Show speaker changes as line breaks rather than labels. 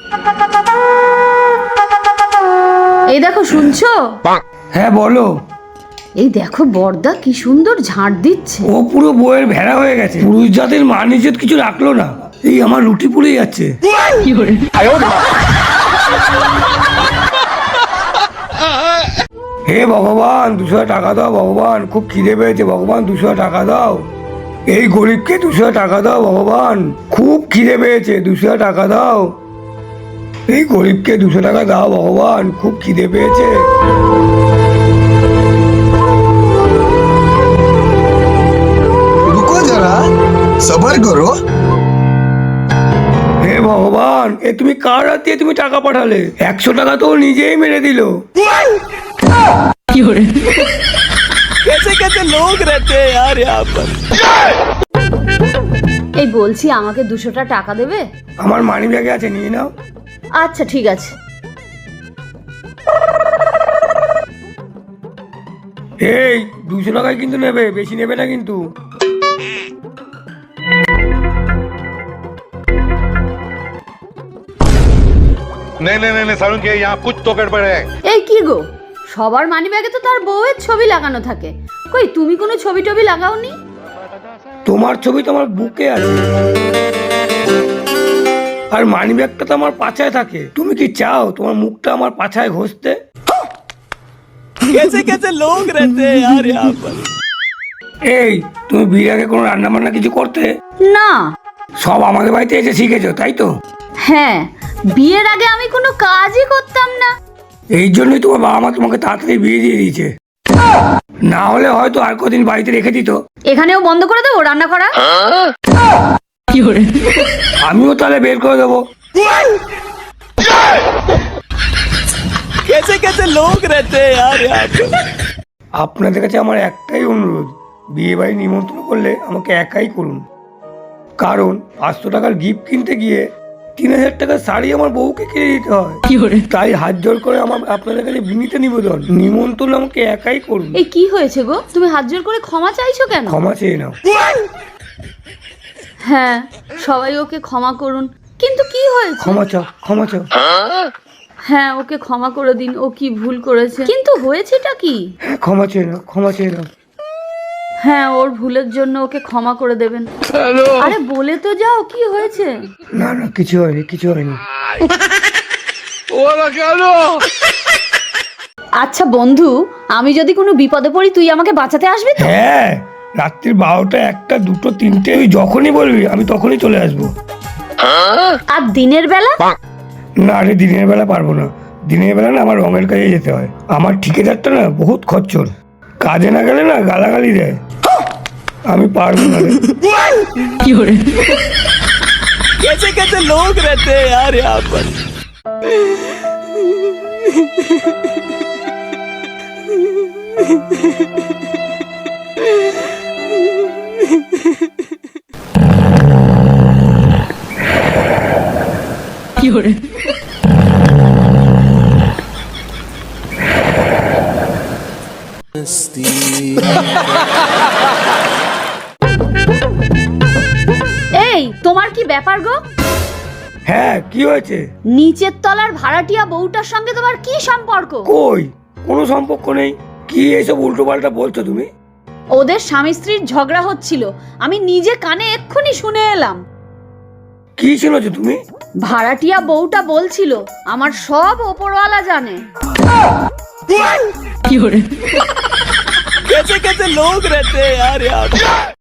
এই দেখো, শুনছো?
হ্যাঁ বলো।
এই দেখো বড়দা কি সুন্দর ঝাড় দিচ্ছে।
ও পুরো বইয়ের ভেড়া হয়ে গেছে, পুরুষ জাতের মান ইজ্জত কিছু রাখলো না। এই আমার রুটি পুড়ে যাচ্ছে। হে ভগবান 200 টাকা দাও ভগবান, খুব খিদে পেয়েছে ভগবান, 200 টাকা দাও। এই গরিবকে 200 টাকা দাও ভগবান, খুব খিদে পেয়েছে, 200 টাকা দাও। এই গরিবকে 200 টাকা দাও ভগবান, খুব খিদে পেয়েছে।
रुको जरा, सबर करो।
হে ভগবান, এ তুমি কার হাত দিয়ে তুমি টাকা পাঠালে? 100 টাকা তো ও নিজেই মেরে দিল।
कैसे कैसे लोग रहते हैं यार यहाँ पर।
এই বলছি, আমাকে 200টা টাকা দেবে?
আমার মানি ব্যাগে আছে, নিয়ে নাও।
আচ্ছা ঠিক আছে।
এই 200 টাকায় কিন্তু নেবে, বেশি নেবে না কিন্তু।
नहीं नहीं नहीं सारुण के यहाँ कुछ तो गड़बड़ है।
এই কি গো, সবার মানিব্যাগে তো তার বউয়ের ছবি লাগানো থাকে, কই তুমি কোনো ছবি টবি লাগাওনি?
তোমার ছবি তো আমার বুকে আছে, আর মানি ব্যাগটা তো আমার পাছায় থাকে। তুমি কি চাও তোমার মুখটা আমার পাছায় ঘষতে?
कैसे कैसे लोग रहते हैं यार यहाँ पर।
এই তুমি বিয়ের আগে কোনো রান্না বান্না কিছু করতে?
না।
সব আমাদের বাড়িতে এসে শিখেছো তাই তো?
হ্যাঁ, বিয়ের আগে আমি কোনো কাজই করতাম না।
এই জন্যই তোমার বাবা মা তোমাকে তাড়াতাড়ি বিয়ে দিয়ে দিয়েছে, না হলে হয়তো আর কদিন বাড়িতে রেখে দিত।
এখানেও বন্ধ করে দেবো রান্না করা?
আমিও তাহলে বের করে দেবো।
कैसे कैसे लोग रहते हैं यार यहाँ पर।
আপনাদের কাছে আমার একটাই অনুরোধ, বিয়ে বাড়ি নিমন্ত্রণ করলে আমাকে একাই করুন, কারণ 500 টাকার গিফট কিনতে গিয়ে 3000 টাকার শাড়ি আমার বউকে কিনে দিতে হয়। তাই হাত জোর করে আমার আপনাদের কাছে বিনীত নিবেদন, নিমন্ত্রণ আমাকে একাই করুন।
এই কি হয়েছে গো, তুমি হাত জোর করে ক্ষমা চাইছো কেন?
ক্ষমা চেয়ে নাও।
হ্যাঁ, সবাই ওকে ক্ষমা করুন। কিন্তু কি হয়েছে?
ক্ষমা চাও, ক্ষমা চাও।
হ্যাঁ, ওকে ক্ষমা করে দিন, ও কি ভুল করেছে। কিন্তু হয়েছেটা কি?
হ্যাঁ, ক্ষমা চেয়ে নাও, ক্ষমা চেয়ে নাও।
হ্যাঁ, ওর ভুলের জন্য ওকে ক্ষমা করে দেবেন। আরে বলে তো যাও, কি হয়েছে?
না না, কিছু হয়নি, কিছু হয়নি।
আচ্ছা বন্ধু, আমি যদি কোনো বিপদে পড়ি তুই আমাকে বাঁচাতে আসবি তো?
হ্যাঁ, রাত্রির 12টা, 1টা, 2টো, 3টে, ওই যখনই বলবি আমি তখনই চলে আসবো।
আর দিনের বেলা?
না রে, দিনের বেলা পারবো না। দিনের বেলা না আমার রঙের কাজে যেতে হয়। আমার ঠিকাদারটা না বহুত খচ্চর, কাজে না গেলে না গালাগালি দেয়। আমি পারবো না রে।
कैसे कैसे लोग रहते हैं यार यहाँ पर।
এই তোমার কি ব্যাপার গো?
হ্যাঁ, কি হয়েছে?
নিচের তলার ভাড়াটিয়া বউটার সঙ্গে তোমার কি সম্পর্ক?
কই, কোনো সম্পর্ক নেই। কি এইসব উল্টো পাল্টা বলছো তুমি?
ওদের স্বামী স্ত্রীর ঝগড়া হচ্ছিল, আমি নিজে কানে এক্ষুনি শুনে এলাম।
কি শুনেছো তুমি?
ভাড়াটিয়া বউটা বলছিল আমার সব ওপরওয়ালা জানে।
कैसे कैसे लोग रहते हैं यार यहाँ पर।